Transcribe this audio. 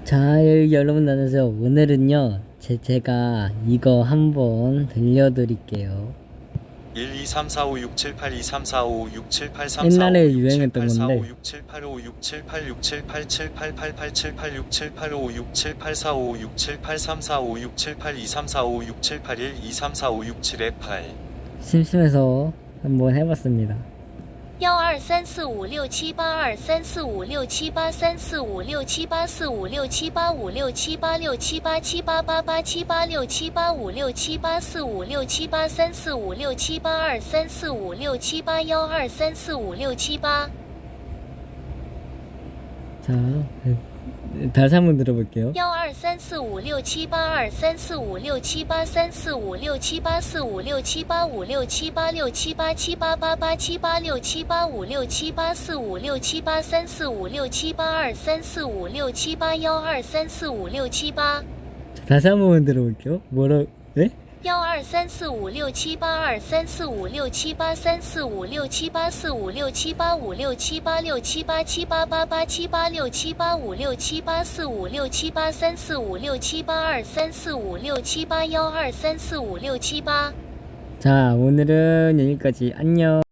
자, 여러분 안녕하세요. 오늘은요, 제가 이거 한번 들려드릴게요. 1 2 3 4 5 6 7 8 2 3 4 5 6 7 8 3 4 5 옛날에 6 7 유행했던 8 4 5 건데 6 7 8 5 6 7 8 6 7 8 7 8 8 8 7 8 6 7 8 5 6 7 8 4 5 6 7 8 3 4 5 6 7 8 2 3 4 5 6 7 8 1 2 3 4 5 6 7에 8 심심해서 한번 해봤습니다. 1 2 3 4 5 6 7 8 2 3 4 5 6 7 8 3 4 5 6 7 8 4 5 6 7 8 5 6 7 8 6 7 8 7 8 8 8 7 8 6 7 8 5 6 7 8 4 5 6 7 8 3 4 5 6 7 8 2 3 4 5 6 7 8 1 2 3 4 5 6 7 8 자, 다시 한번 들어볼게요. 1 2 3 4 5 6 7 8 2 3 4 5 6 7 8 3 4 5 6 7 8 4 5 6 7 8 5 6 7 8 6 7 8 7 8 8 8 7 8 6 7 8 5 6 7 8 4 5 6 7 8 3 4 5 6 7 8 2 3 4 5 6 7 8 1 2 3 4 5 6 7 8 다시 한번 들어볼게요. 네? 1 2 3 4 5 6 7 8 2 3 4 5 6 7 8 3 4 5 6 7 8 4 5 6 7 8 5 6 7 8 6 7 8 7 8 8 8 7 8 6 7 8 5 6 7 8 4 5 6 7 8 3 4 5 6 7 8 2 3 4 5 6 7 8 1 2 3 4 5 6 7 8 자, 오늘은 여기까지. 안녕.